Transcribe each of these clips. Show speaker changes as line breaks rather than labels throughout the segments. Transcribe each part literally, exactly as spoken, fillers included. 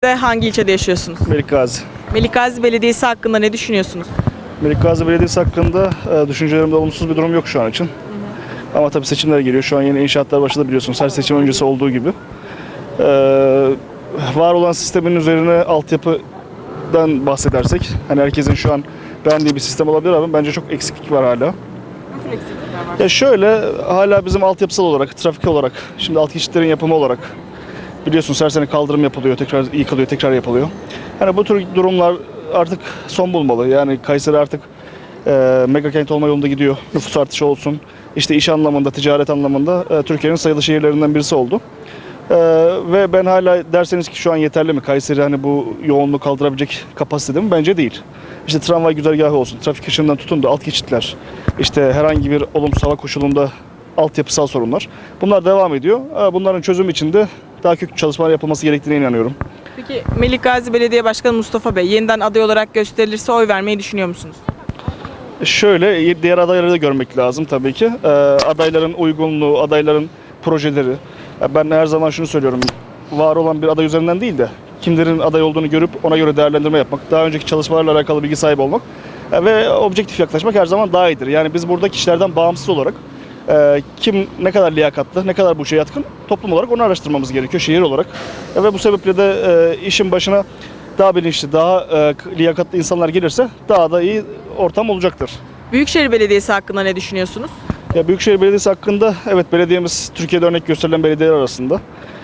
Hangi ilçede yaşıyorsunuz?
Melikgazi.
Melikgazi Belediyesi hakkında ne düşünüyorsunuz?
Melikgazi Belediyesi hakkında e, düşüncelerimde olumsuz bir durum yok şu an için. Hı hı. Ama tabii seçimler geliyor. Şu an yeni inşaatlar başladı biliyorsunuz. Her seçim öncesi olduğu gibi. E, var olan sistemin üzerine altyapıdan bahsedersek, hani herkesin şu an beğendiği bir sistem olabilir ama bence çok eksiklik var hala.
Nasıl eksiklikler var?
Ya şöyle, hala bizim altyapısal olarak, trafik olarak, şimdi alt geçitlerin yapımı olarak biliyorsunuz her sene kaldırım yapılıyor, tekrar yıkılıyor, tekrar yapılıyor. Hani bu tür durumlar artık son bulmalı. Yani Kayseri artık e, mega kent olma yolunda gidiyor. Nüfus artışı olsun, işte iş anlamında, ticaret anlamında e, Türkiye'nin sayılı şehirlerinden birisi oldu. E, ve ben hala derseniz ki şu an yeterli mi? Kayseri hani bu yoğunluğu kaldırabilecek kapasitede mi? Bence değil. İşte tramvay güzergahı olsun, trafik ışığından tutun da alt geçitler, işte herhangi bir olumsuz hava koşulunda altyapısal sorunlar. Bunlar devam ediyor. Bunların çözümü için de daha köklü çalışmalar yapılması gerektiğine inanıyorum.
Peki Melikgazi Belediye Başkanı Mustafa Bey yeniden aday olarak gösterilirse oy vermeyi düşünüyor musunuz?
Şöyle, diğer adayları da görmek lazım tabii ki. Ee, adayların uygunluğu, adayların projeleri. Ben her zaman şunu söylüyorum. Var olan bir aday üzerinden değil de kimlerin aday olduğunu görüp ona göre değerlendirme yapmak, daha önceki çalışmalarla alakalı bilgi sahibi olmak ve objektif yaklaşmak her zaman daha iyidir. Yani biz burada kişilerden bağımsız olarak e, kim ne kadar liyakatlı, ne kadar bu işe yatkın, toplum olarak onu araştırmamız gerekiyor, şehir olarak. E, ve bu sebeple de e, işin başına daha bilinçli, daha e, liyakatlı insanlar gelirse daha da iyi ortam olacaktır.
Büyükşehir Belediyesi hakkında ne düşünüyorsunuz?
Ya Büyükşehir Belediyesi hakkında, evet, belediyemiz Türkiye'de örnek gösterilen belediyeler arasında.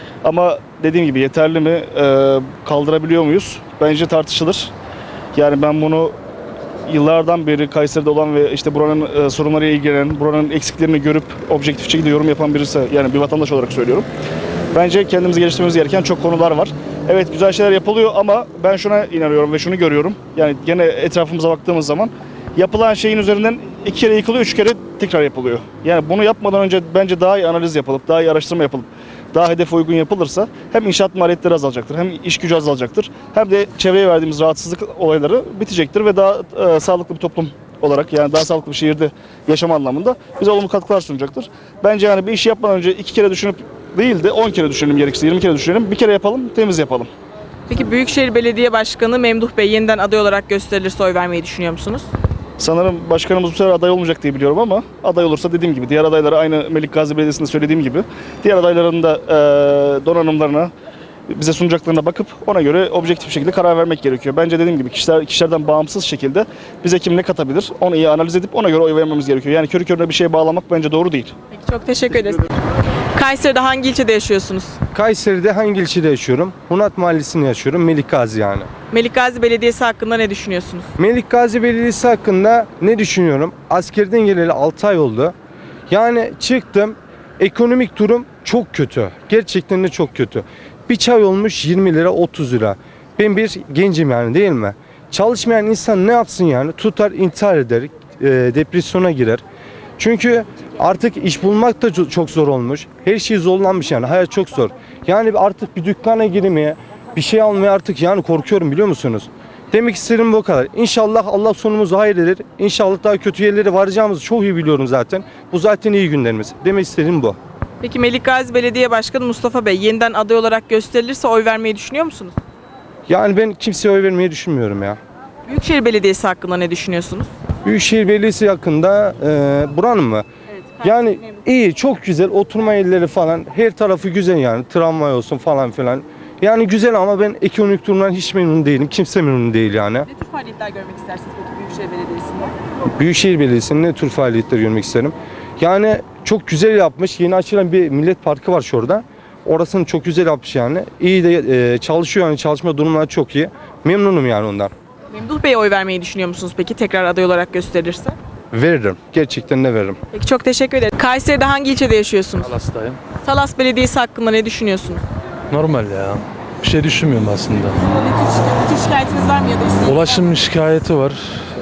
Ama dediğim gibi yeterli mi, e, kaldırabiliyor muyuz? Bence tartışılır. Yani ben bunu yıllardan beri Kayseri'de olan ve işte buranın e, sorunlarıyla ilgilenen, buranın eksiklerini görüp objektif şekilde yorum yapan birisi, yani bir vatandaş olarak söylüyorum. Bence kendimizi geliştirmemiz gereken çok konular var. Evet, güzel şeyler yapılıyor ama ben şuna inanıyorum ve şunu görüyorum. Yani gene etrafımıza baktığımız zaman yapılan şeyin üzerinden iki kere yıkılıyor, üç kere tekrar yapılıyor. Yani bunu yapmadan önce bence daha iyi analiz yapılıp, daha iyi araştırma yapılıp, daha hedefe uygun yapılırsa hem inşaat maliyetleri azalacaktır, hem iş gücü azalacaktır, hem de çevreye verdiğimiz rahatsızlık olayları bitecektir ve daha e, sağlıklı bir toplum olarak, yani daha sağlıklı bir şehirde yaşama anlamında bize olumlu katkılar sunacaktır. Bence yani bir işi yapmadan önce iki kere düşünüp değil de on kere düşünelim, gerekirse yirmi kere düşünelim, bir kere yapalım, temiz yapalım.
Peki Büyükşehir Belediye Başkanı Memduh Bey yeniden aday olarak gösterilirse oy vermeyi düşünüyor musunuz?
Sanırım başkanımız bu sefer aday olmayacak diye biliyorum ama aday olursa dediğim gibi diğer adayları aynı Melikgazi Belediyesi'nde söylediğim gibi diğer adayların da e, donanımlarına, bize sunacaklarına bakıp ona göre objektif bir şekilde karar vermek gerekiyor. Bence dediğim gibi kişiler, kişilerden bağımsız şekilde bize kim ne katabilir onu iyi analiz edip ona göre oy vermemiz gerekiyor. Yani körü körüne bir şeye bağlamak bence doğru değil.
Peki, çok teşekkür ederiz. Kayseri'de hangi ilçede yaşıyorsunuz?
Kayseri'de hangi ilçede yaşıyorum? Hunat Mahallesi'nde yaşıyorum. Melikgazi yani.
Melikgazi Belediyesi hakkında ne düşünüyorsunuz?
Melikgazi Belediyesi hakkında ne düşünüyorum? Askerden geleli altı ay oldu. Yani çıktım. Ekonomik durum çok kötü. Gerçekten de çok kötü. Bir çay olmuş yirmi lira, otuz lira. Ben bir gencim yani, değil mi? Çalışmayan insan ne yapsın yani? Tutar intihar eder, e, depresyona girer. Çünkü artık iş bulmak da çok zor olmuş. Her şey zorlanmış yani. Hayat çok zor. Yani artık bir dükkana girmeye, bir şey almaya artık yani korkuyorum, biliyor musunuz? Demek istedim bu kadar. İnşallah Allah sonumuzu hayır eder. İnşallah daha kötü yerlere varacağımızı çok iyi biliyorum zaten. Bu zaten iyi günlerimiz. Demek istediğim bu.
Peki Melikgazi Belediye Başkanı Mustafa Bey yeniden aday olarak gösterilirse oy vermeyi düşünüyor musunuz?
Yani ben kimseye oy vermeyi düşünmüyorum ya.
Büyükşehir Belediyesi hakkında ne düşünüyorsunuz?
Büyükşehir Belediyesi hakkında e, buranın mı?
Evet,
Yani iyi, çok güzel, oturma yerleri falan, her tarafı güzel yani, tramvay olsun falan filan. Yani güzel ama ben ekonomik durumdan hiç memnun değilim, kimse memnun değil yani.
Ne tür faaliyetler görmek istersiniz peki Büyükşehir Belediyesi'nde?
Büyükşehir Belediyesi'nin ne tür faaliyetler görmek isterim? Yani çok güzel yapmış, yeni açılan bir millet parkı var şurada. Orasını çok güzel yapmış yani. İyi de e, çalışıyor yani, çalışma durumları çok iyi. Memnunum yani ondan.
Memduh Bey'e oy vermeyi düşünüyor musunuz peki tekrar aday olarak gösterilirse?
Veririm, gerçekten de veririm.
Peki, çok teşekkür ederim. Kayseri'de hangi ilçede yaşıyorsunuz?
Talas'tayım.
Talas Belediyesi hakkında ne düşünüyorsunuz?
Normal ya. Bir şey düşünmüyorum aslında.
Ne tür, ne tür şikayetiniz var mı ya da isteğiniz?
Ulaşım şikayeti var.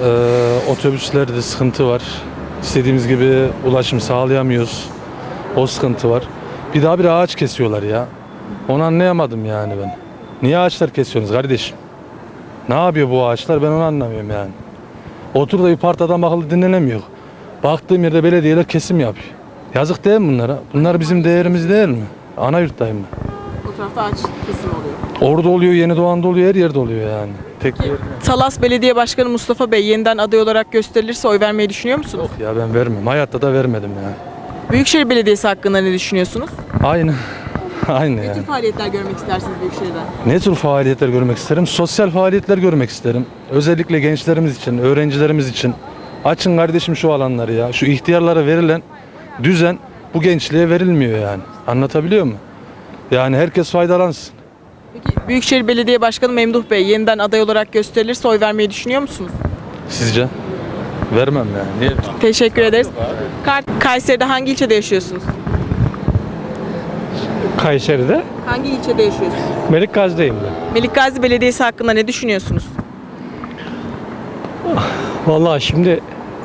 Ee, otobüslerde sıkıntı var. İstediğimiz gibi ulaşım sağlayamıyoruz. O sıkıntı var. Bir daha bir ağaç kesiyorlar ya. Onu anlayamadım yani ben. Niye ağaçlar kesiyorsunuz kardeşim? Ne yapıyor bu ağaçlar, ben onu anlamıyorum yani. Otur da bir partadan bakılı dinlenemiyor. Baktığım yerde belediyeler kesim yapıyor. Yazık değil mi bunlara? Bunlar bizim değerimiz değil mi? Ana yurttayım ben.
O tarafta ağaç kesim oluyor.
Orada oluyor, Yeni Doğan'da oluyor, her yerde oluyor yani. Tek bir yer.
Talas Belediye Başkanı Mustafa Bey yeniden aday olarak gösterilirse oy vermeyi düşünüyor musunuz?
Ya ben vermem. Hayatta da vermedim yani.
Büyükşehir Belediyesi hakkında ne düşünüyorsunuz?
Aynı. Aynı
Ne tür
yani.
faaliyetler görmek istersiniz Büyükşehir'den?
Ne tür faaliyetler görmek isterim? Sosyal faaliyetler görmek isterim. Özellikle gençlerimiz için, öğrencilerimiz için. Açın kardeşim şu alanları ya. Şu ihtiyarlara verilen düzen bu gençliğe verilmiyor yani. Anlatabiliyor muyum? Yani herkes faydalansın.
Peki Büyükşehir Belediye Başkanı Memduh Bey yeniden aday olarak gösterilirse oy vermeyi düşünüyor musunuz?
Sizce? Vermem yani. Niye?
Teşekkür ederiz. Kar- Kayseri'de hangi ilçede yaşıyorsunuz?
Kayseri'de
Hangi ilçede yaşıyorsunuz?
Melik Gazi'deyim ben.
Melikgazi Belediyesi hakkında ne düşünüyorsunuz?
Vallahi şimdi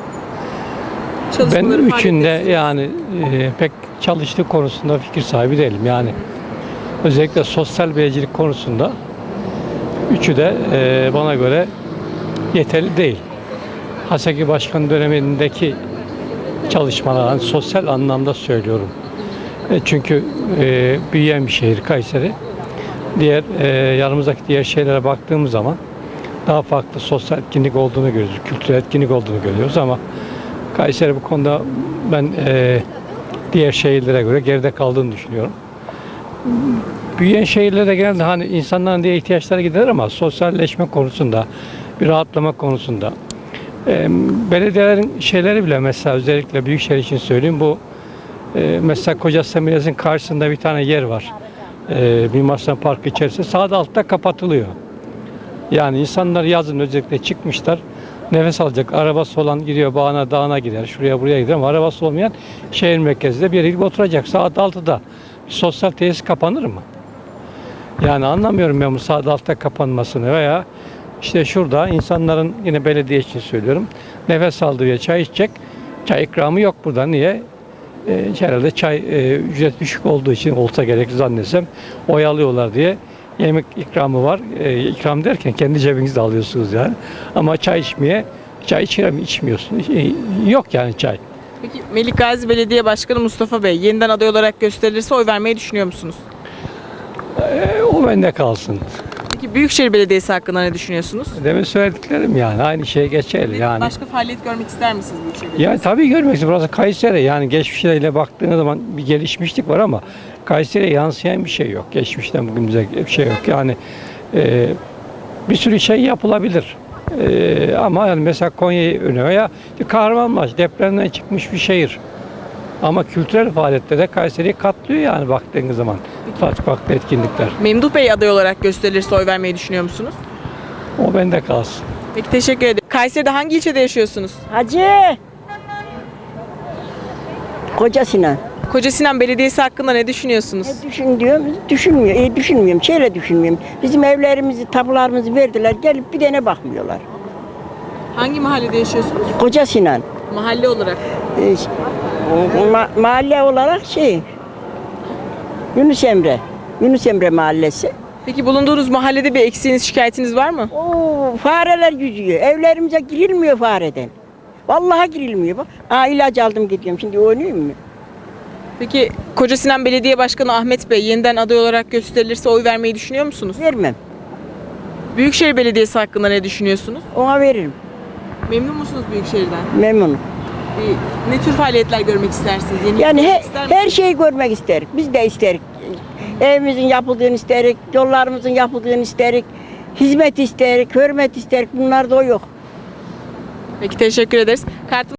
ben
Çalışmaları,
üçünde
faaliyetleri-
yani e, pek çalıştığı konusunda fikir sahibi değilim. Yani özellikle sosyal beycilik konusunda üçü de e, bana göre yeterli değil. Haseki Başkan dönemindeki çalışmalar, hani sosyal anlamda söylüyorum. E, çünkü e, büyüyen bir şehir Kayseri. Diğer e, yanımızdaki diğer şehirlere baktığımız zaman daha farklı sosyal etkinlik olduğunu görüyoruz, kültürel etkinlik olduğunu görüyoruz ama Kayseri bu konuda ben e, diğer şehirlere göre geride kaldığını düşünüyorum. Büyüyen şehirlere genelde hani insanların diye ihtiyaçları gider ama sosyalleşme konusunda, bir rahatlama konusunda e, belediyelerin şeyleri bile mesela özellikle büyükşehir için söyleyeyim bu e, mesela Kocasinan Belediyesi'nin karşısında bir tane yer var. E, Mimar Sinan Parkı içerisinde sağda altta kapatılıyor. Yani insanlar yazın özellikle çıkmışlar. Nefes alacak. Arabası olan gidiyor bağına dağına gider. Şuraya buraya gider ama arabası olmayan şehir merkezinde bir yere gidip oturacak. Saat altıda bir sosyal tesis kapanır mı? Yani anlamıyorum ben bu saat altıda kapanmasını veya işte şurada insanların yine belediye için söylüyorum. Nefes aldığı ya çay içecek. Çay ikramı yok burada. Niye? E, herhalde çay e, ücret düşük olduğu için olsa gerek zannetsem oyalıyorlar diye yemek ikramı var. E, ikram derken kendi cebinizde alıyorsunuz yani. Ama çay içmeye, çay içmeye içmiyorsunuz. E, yok yani çay.
Peki Melikgazi Belediye Başkanı Mustafa Bey yeniden aday olarak gösterilirse oy vermeyi düşünüyor musunuz?
E, o bende kalsın.
Peki Büyükşehir Belediyesi hakkında ne düşünüyorsunuz?
Demin söylediklerim yani aynı şey geçerli yani.
Başka faaliyet görmek ister misiniz Büyükşehir
Yani
Belediyesi?
tabii görmek istiyorum. Burası Kayseri yani geçmişleriyle baktığınız zaman bir gelişmişlik var ama Kayseri'ye yansıyan bir şey yok. Geçmişten bugünümüze bir şey yok. Yani e, bir sürü şey yapılabilir. E, ama yani mesela Konya'yı öne veya Kahramanmaraş depremden çıkmış bir şehir. Ama kültürel faaliyetlerde Kayseri'yi katlıyor yani baktığınız zaman. Farklı farklı etkinlikler.
Memduh Bey aday olarak gösterilirse oy vermeyi düşünüyor musunuz?
O bende kalsın.
Peki teşekkür ederim. Kayseri'de hangi ilçede yaşıyorsunuz?
Hacı. Kocasinan.
Kocasinan Belediyesi hakkında ne düşünüyorsunuz?
Ne düşün diyorum, düşünmüyor. E, düşünmüyorum, şeyle düşünmüyorum. Bizim evlerimizi, tapularımızı verdiler, gelip bir tane bakmıyorlar.
Hangi mahallede yaşıyorsunuz?
Kocasinan.
Mahalle olarak.
E, ma- mahalle olarak şey, Yunus Emre. Yunus Emre Mahallesi.
Peki bulunduğunuz mahallede bir eksiğiniz, şikayetiniz var mı?
Oo, fareler yüzüyor. Evlerimize girilmiyor fareden. Vallahi girilmiyor. Bak. Aa, ilaç aldım gidiyorum. Şimdi oynayayım mı?
Peki Kocasinan Belediye Başkanı Ahmet Bey yeniden aday olarak gösterilirse oy vermeyi düşünüyor musunuz?
Vermem.
Büyükşehir Belediyesi hakkında ne düşünüyorsunuz?
Ona veririm.
Memnun musunuz Büyükşehir'den?
Memnunum.
Bir- Ne tür faaliyetler görmek istersiniz? Yeni
Yani
görmek
he-
ister misiniz?
her şeyi görmek isterik. Biz de isterik. Evimizin yapıldığını isterik, yollarımızın yapıldığını isterik, hizmet isterik, hürmet isterik. Bunlar da o yok.
Peki teşekkür ederiz. Kartım